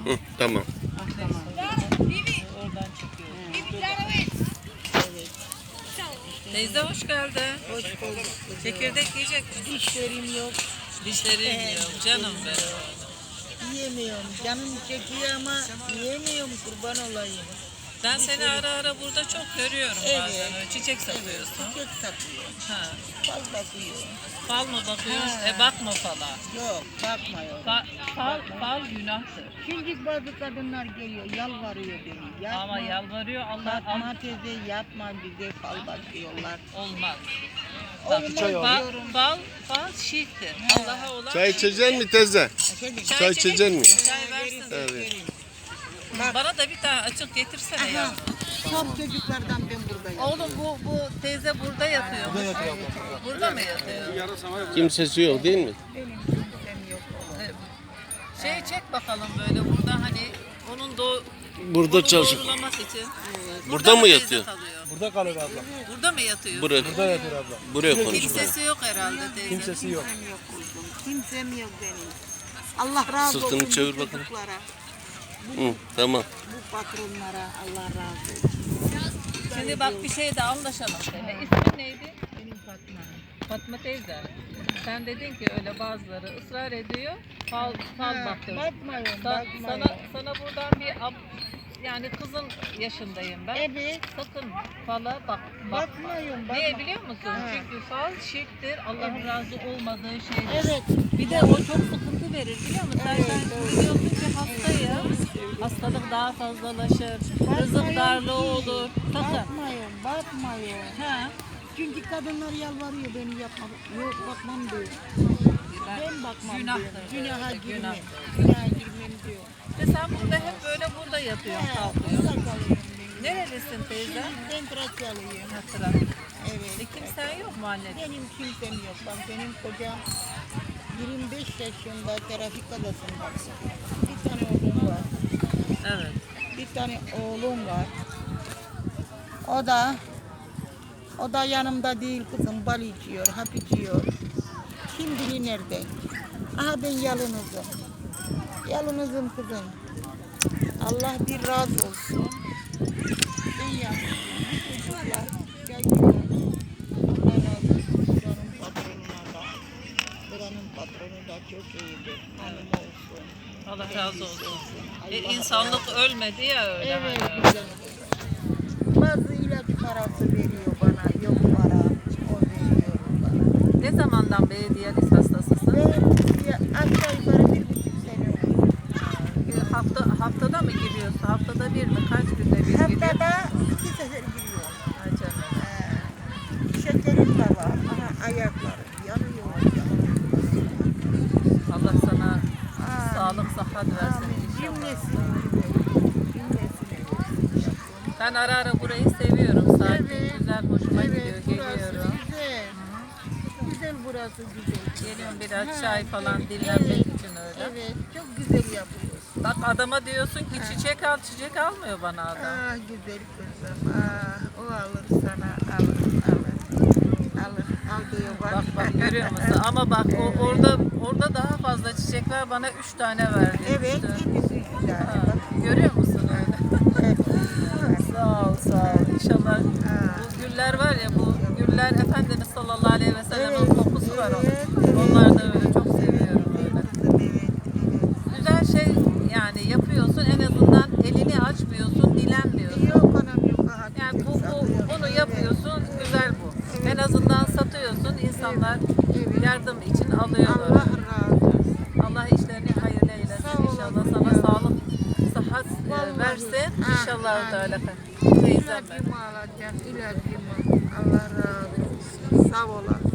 Hı, tamam. Oradan çıkıyor. Teyze hoş geldin. Hoş bulduk. Çekirdek yiyecek misin? Dişlerim yok. Dişlerim yok canım benim. Yiyemiyorum. Canım çekiyor ama yiyemiyorum, kurban olayım. Ben seni ara ara burada çok görüyorum Evet. bazen. Öyle çiçek satıyorsun. Çiçek satıyor. Ha. Fal bakıyor. Fal mı bakıyorsun? Ha. Bakma fala. Yok, bakmıyor. Fal günahtır. Şimdi bazı kadınlar geliyor, yalvarıyor beni. Yapma. Ama yalvarıyor Allah Fatma teyze yapma, bize fal bakıyorlar. olmaz. Olmaz diyorum. Fal şirktir. Allah'a olan Çay içecek mi teyze? Efendim? Çay içecek mi? Çay versin. Evet. Bana da bir tane açık getirsene ya. Aha, top çocuklardan ben buradayım. Oğlum bu teyze burada yatıyor. Burada yatıyor. Burada mı yatıyor? Kimsesi yok değil mi? Benim kimsem yok. Çek bakalım böyle burada hani onun Burada onu çalışıp. doğrulaması için. Burada mı teyze yatıyor? kalıyor? Burada kalır abla. Burada mı yatıyor? Buraya, Burada yatır abla. buraya konuşma. Kimsesi yok herhalde teyze. Kimsesi yok. Kimsem yok kuzum. Kimsem yok benim. Allah razı olsun. Sırtını çevir bu bakalım. çocuklara, Hı, tamam. bu patronlara Allah razı olsun. Şimdi bak bir şey de anlaşalım seninle. İsmin neydi? Benim Fatma. Fatma teyze. Sen dedin ki öyle bazıları ısrar ediyor. Fal baktır. Bakmayın, Sana, bakmayın. sana buradan yani kızın yaşındayım ben. Evet. Sakın fala bakma. Bakmayın, bakma. Niye biliyor musun? Ha. Çünkü fal şirktir. Allah'ın razı olmadığı şeydir. Evet. Bir de o çok sıkıntı verir biliyor musun? Evet, Sen doğru. biliyorsun ki hastayım. Hastalık daha fazlalaşır. Rızık Bakmayın darlığı ki. olur. Sakın. Bakmayın, bakmayın. Ha. Çünkü kadınlar yalvarıyor beni yapma. Yok bakmam diyor. Ben bakmam Günahtır. diyor. Günaha Evet, girmem. günahtır. Günaha girmem diyor. Ve sen burada hep böyle burada yatıyorsun, kalkıyorsun. Burada kalıyorum ben. Nerelisin teyze? Ben Trakyalıyım. Hatıra. Evet. Kimsen yok mu anne? Benim kimsem yok. Bak benim kocam 25 yaşında trafik kazasında. Bir tane oğlum var. Evet. Bir tane oğlum var. O da yanımda değil kızım. Bal içiyor, hap içiyor. Kim bilir nerede? Aha ben yalnızım. Yalnızım kızım. Allah bir razı olsun. Ben yalnızım. Bir çocuklar geliyor. Allah razı olsun. Buranın patronuna da. Buranın patronu da çok iyidir. Hanım olsun. Allah razı olsun. Allah İnsanlık ölmedi ya öyle. Evet, hani. güzel. Bazı ilaç parası veriyor bana, yok para, o veriyor bana. Ne zamandan beri diyaliz hastasısın? Ve aşağı yukarı 1,5 sene oldu. Haftada mı giriyorsun? Haftada bir mi? Kaç günde bir giriyorsun? Haftada 2 sefer giriyor. Ay canım. Şekerim de var, aha ayaklarım yanıyor. Allah sana Aa, sağlık, sıhhat versin amin. inşallah. Cümlesini versin. Ben ara ara burayı seviyorum. Sakin, Evet. güzel, hoşuma gidiyor. Evet, burası Geliyorum. güzel. Güzel burası güzel. Geliyorum biraz Ha, çay falan evet, dinlenmek evet, için öyle. Evet, çok güzel yapıyorsun. Bak adama diyorsun ki çiçek al, çiçek almıyor bana adam. Ah güzel kızım. Ah, o alır sana. Alır. Al diyor bak. Bak görüyor musun? Ama bak orada daha fazla çiçekler bana 3 tane verdi. Evet, İşte. hepsi güzel. Ha, Bak. görüyor musun öyle? Evet. Sağ ol, sağ ol. İnşallah bu güller var ya, bu güller Efendimiz sallallahu aleyhi ve sellem'in Evet, kokusu var onun. evet, evet. Onlar da öyle çok seviyorum böyle. Evet. Güzel şey yani yapıyorsun, en azından elini açmıyorsun, dilenmiyorsun. Yok anam yok. Aha, Yani güzel bunu satıyor. yapıyorsun, güzel bu. En azından satıyorsun, insanlar Evet. yardım için alıyorlar. Allah razı olsun. Allah işlerini hayırlı eylesin. Sağ olun. İnşallah sana sağlık, sıhhat Vallahi. versin. İnşallah Amin. Teala. Teyzem ben. İlacımı alacağım, ilacımı. Allah razı olsun. Sağ olasın.